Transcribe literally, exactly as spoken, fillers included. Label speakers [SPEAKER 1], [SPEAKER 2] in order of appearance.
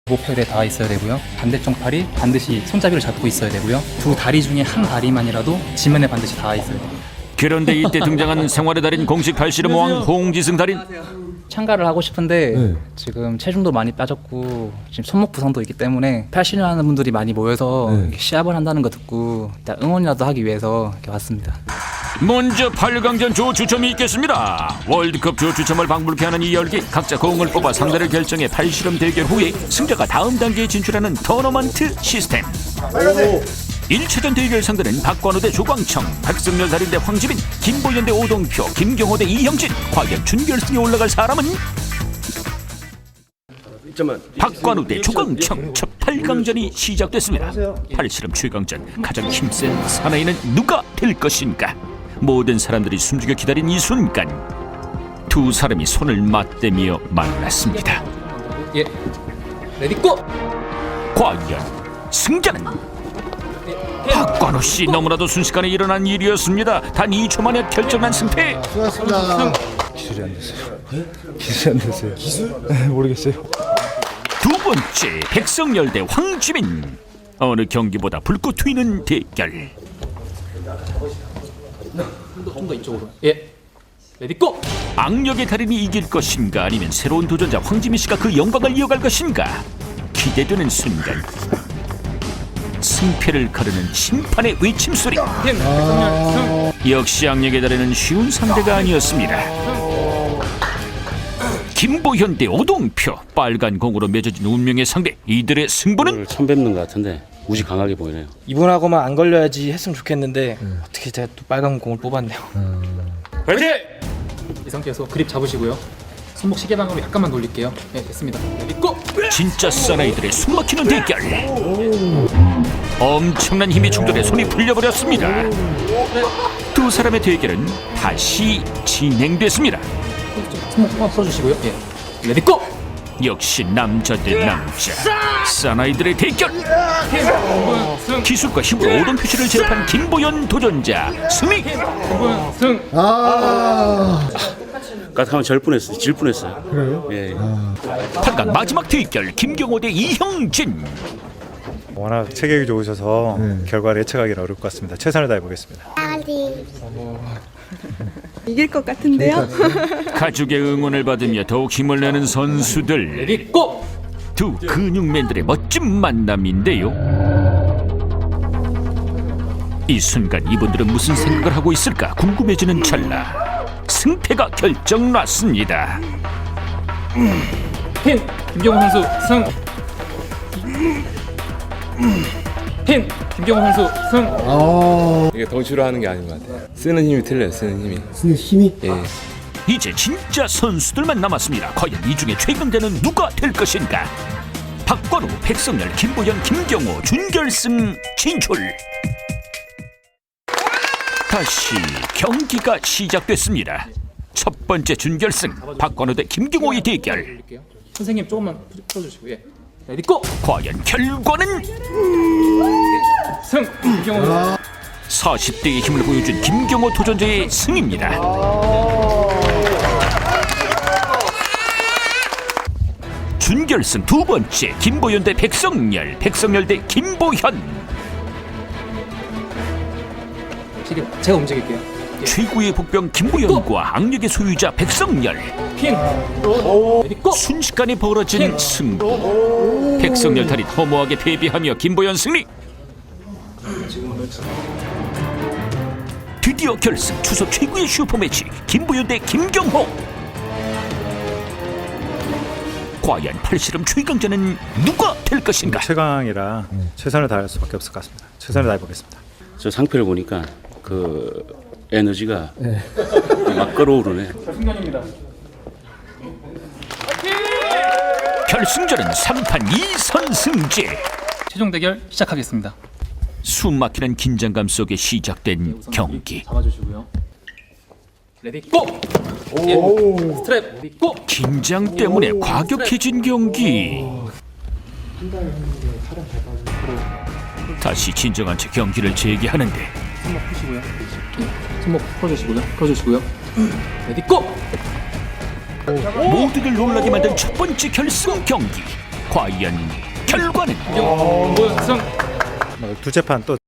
[SPEAKER 1] 목표에 닿아 있어야 되고요. 반대쪽 팔이 반드시 손잡이를 잡고 있어야 되고요. 두 다리 중에 한 다리만이라도 지면에 반드시 닿아 있어야 돼요.
[SPEAKER 2] 그런데 이때 등장한 생활의 달인 공식 팔씨름 왕 홍지승 달인.
[SPEAKER 1] 참가를 하고 싶은데
[SPEAKER 3] 네.
[SPEAKER 1] 지금 체중도 많이 빠졌고 지금 손목 부상도 있기 때문에 팔씨름 하는 분들이 많이 모여서
[SPEAKER 3] 네.
[SPEAKER 1] 이렇게 시합을 한다는 거 듣고 일단 응원이라도 하기 위해서 이렇게 왔습니다.
[SPEAKER 2] 먼저 팔 강전 조추첨이 있겠습니다. 월드컵 조추첨을 방불케 하는 이 열기, 각자 공을 뽑아 상대를 결정해 팔씨름 대결 후에 승자가 다음 단계에 진출하는 토너먼트 시스템. 일 차전 대결 상대는 박관우 대 조광청, 백승열 달인 대 황지민, 김보현 대 오동표, 김경호 대 이형진. 과연 준결승에 올라갈 사람은? 박관우 대 조광청, 첫 팔 강전이 시작됐습니다. 팔씨름 최강전, 가장 힘센 사나이는 누가 될 것인가? 모든 사람들이 숨죽여 기다린 이 순간, 두 사람이 손을 맞대며 만났습니다.
[SPEAKER 1] 예, 레디 고!
[SPEAKER 2] 과연 승자는? 박관우 씨, 너무나도 순식간에 일어난 일이었습니다. 단 이 초 만에 결정난 승패.
[SPEAKER 3] 수고하셨습니다. 기술이 안 됐어요. 기술이 안 됐어요. 기술? 네, 모르겠어요.
[SPEAKER 2] 두 번째, 백성열 대 황지민. 어느 경기보다 불꽃 튀는 대결.
[SPEAKER 1] 좀 더 이쪽으로. 예, 레디 고!
[SPEAKER 2] 악력의 달인이 이길 것인가, 아니면 새로운 도전자 황지민 씨가 그 영광을 이어갈 것인가? 기대되는 순간, 승패를 가르는 심판의 외침 소리.
[SPEAKER 1] 아...
[SPEAKER 2] 역시 악력의 달인은 쉬운 상대가 아니었습니다. 김보현 대 오동표, 빨간 공으로 맺어진 운명의 상대. 이들의 승부는?
[SPEAKER 4] 처음 뵙는 것 같은데 무지 강하게 보이네요.
[SPEAKER 5] 이분하고만 안 걸려야지 했으면 좋겠는데 음. 어떻게 제가 또 빨간 공을 뽑았네요.
[SPEAKER 1] 음... 파이팅! 이 상태에서 그립 잡으시고요. 손목 시계방으로 약간만 돌릴게요. 네, 됐습니다. 레디 고!
[SPEAKER 2] 진짜 사나이들의 숨막히는 대결. 엄청난 힘이 충돌해 손이 풀려버렸습니다. 두 사람의 대결은 다시 진행됐습니다.
[SPEAKER 1] 손목 한번 풀어주시고요. 예, 레디 고!
[SPEAKER 2] 역시 남자 대 남자, 사나이들의 대결. 기술과 힘으로 오동표 씨를 제압한 김보현 도전자 승리.
[SPEAKER 1] 승!
[SPEAKER 3] 아,
[SPEAKER 4] 까딱하면 절 뻔했어요. 질 뻔했어요.
[SPEAKER 3] 그래요?
[SPEAKER 4] 예.
[SPEAKER 2] 팔 강 마지막 대결, 김경호 대 이형진.
[SPEAKER 6] 워낙 체격이 좋으셔서
[SPEAKER 3] 네.
[SPEAKER 6] 결과를 예측하기는 어려울 것 같습니다. 최선을 다해보겠습니다.
[SPEAKER 7] 이길 것 같은데요?
[SPEAKER 2] 가족의 응원을 받으며 더욱 힘을 내는 선수들.
[SPEAKER 1] 레디 고!
[SPEAKER 2] 두 근육맨들의 멋진 만남인데요. 이 순간 이분들은 무슨 생각을 하고 있을까 궁금해지는 찰나, 승패가 결정났습니다.
[SPEAKER 1] 핀! 김경호 선수 승! 핀! 김경호 선수 승!
[SPEAKER 3] 아,
[SPEAKER 8] 이게 덩치로 하는 게 아닌 것 같아요. 쓰는 힘이 틀려요. 쓰는 힘이.
[SPEAKER 3] 쓰는 힘이?
[SPEAKER 8] 예.
[SPEAKER 2] 이제 진짜 선수들만 남았습니다. 과연 이 중에 최강자는 누가 될 것인가? 박관우, 백성열, 김보현, 김경호 준결승 진출. 다시 경기가 시작됐습니다. 첫 번째 준결승, 박관우 대 김경호의 대결.
[SPEAKER 1] 선생님 조금만 풀어주시고. 예, 레디 고!
[SPEAKER 2] 과연 결과는?
[SPEAKER 1] 승! 김경호.
[SPEAKER 2] 사십 대의 힘을 보여준 김경호 도전자의 승입니다. 준결승 두 번째, 김보현 대 백성열, 백성열 대 김보현.
[SPEAKER 1] 제가 움직일게요. 예.
[SPEAKER 2] 최고의 복병 김보현과 악력의 소유자 백성열.
[SPEAKER 1] 핀! 레디 고!
[SPEAKER 2] 순식간에 벌어진 승부. 백성열 달인 허무하게 패배하며 김보현 승리. 드디어 결승, 추석 최고의 슈퍼매치, 김보현 대 김경호. 과연 팔씨름 최강자는 누가 될 것인가?
[SPEAKER 6] 최강이라 최선을 다할 수밖에 없을 것 같습니다. 최선을 다해보겠습니다.
[SPEAKER 4] 저 상표를 보니까 그 에너지가 막 끌어오르네.
[SPEAKER 1] 승관입니다.
[SPEAKER 2] 결승전은 삼 판 이 선 승제.
[SPEAKER 1] 최종 대결 시작하겠습니다.
[SPEAKER 2] 숨막히는 긴장감 속에 시작된 경기.
[SPEAKER 1] 잡아주시고요. 레디 고! 예. 스트랩 레디 고!
[SPEAKER 2] 긴장 때문에 과격해진 경기. 다시 진정한 채 경기를 재개하는데
[SPEAKER 1] 손목 푸시고요. 예. 손목 풀어주시고요. 풀어주시고요. 레디 고!
[SPEAKER 2] 모두를 놀라게 만든 첫 번째 결승 경기. 과연 결과는?
[SPEAKER 6] 뭐, 두째 판 또